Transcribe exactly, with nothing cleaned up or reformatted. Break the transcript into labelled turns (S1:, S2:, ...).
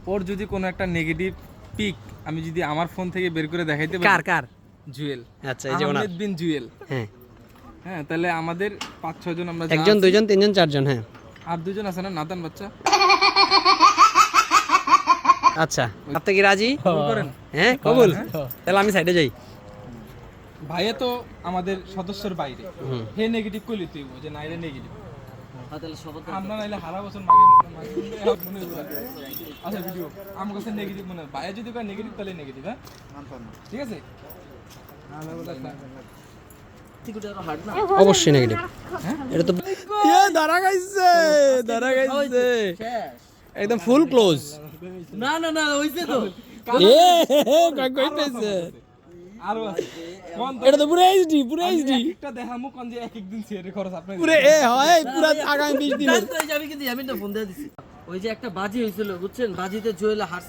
S1: ওর যদি কোনো একটা নেগেটিভ পিক আমি যদি আমার ফোন থেকে বের করে দেখাইতে পারি,
S2: কার কার
S1: জুয়েল,
S2: আচ্ছা এই যে ওনার
S1: আহমেদ বিন জুয়েল,
S2: হ্যাঁ
S1: হ্যাঁ, তাহলে আমাদের পাঁচ ছয় জন আমরা যা
S2: একজন
S1: আছি,
S2: দুইজন তিনজন চারজন হ্যাঁ
S1: আর দুজন আছে না নাতান বাচ্চা,
S2: আচ্ছা আপনি কি রাজি
S1: কবুল করেন।
S2: হ্যাঁ কবুল তাহলে আমি সাইডে যাই
S1: ভাইয়া তো আমাদের সদস্যের বাইরে,
S2: হুম।
S1: হে নেগেটিভ কইলি তুই যে নাইলে নেগেটিভ
S3: হ্যাঁ, তাহলে শপথ
S1: আমরা নাইলে হারা বছর মাগে মাগে মনে হয় আচ্ছা ভিডিও আমার কাছে নেগেটিভ মনে হয়, ভাইয়া যদি কয় নেগেটিভ তাহলে নেগেটিভ, হ্যাঁ ঠিক আছে।
S3: টিকুটা আরো হার্ড না
S2: অবশ্যই নেগেটিভ এটা তো এ দাঁড়া গাইছে দাঁড়া গাইছে
S3: শেষ
S2: একদম ফুল ক্লোজ
S3: না না না হইছে তো
S2: এ কই কইতেছে
S1: আরো আছে কোন তো
S2: এটা তো পুরো এইচডি পুরো এইচডি
S1: একটা দেখামু কোন যে এক এক দিন শেয়ার খরচ আপনি
S2: পুরো এ হয় পুরো আগামী বিশ দিনের
S3: গান তো এই যে আমি কিন্তু আমি না ফোন দিয়ে দিছি ওই যে একটা বাজি হয়েছিল বুঝছেন বাজিতে জুয়েল হার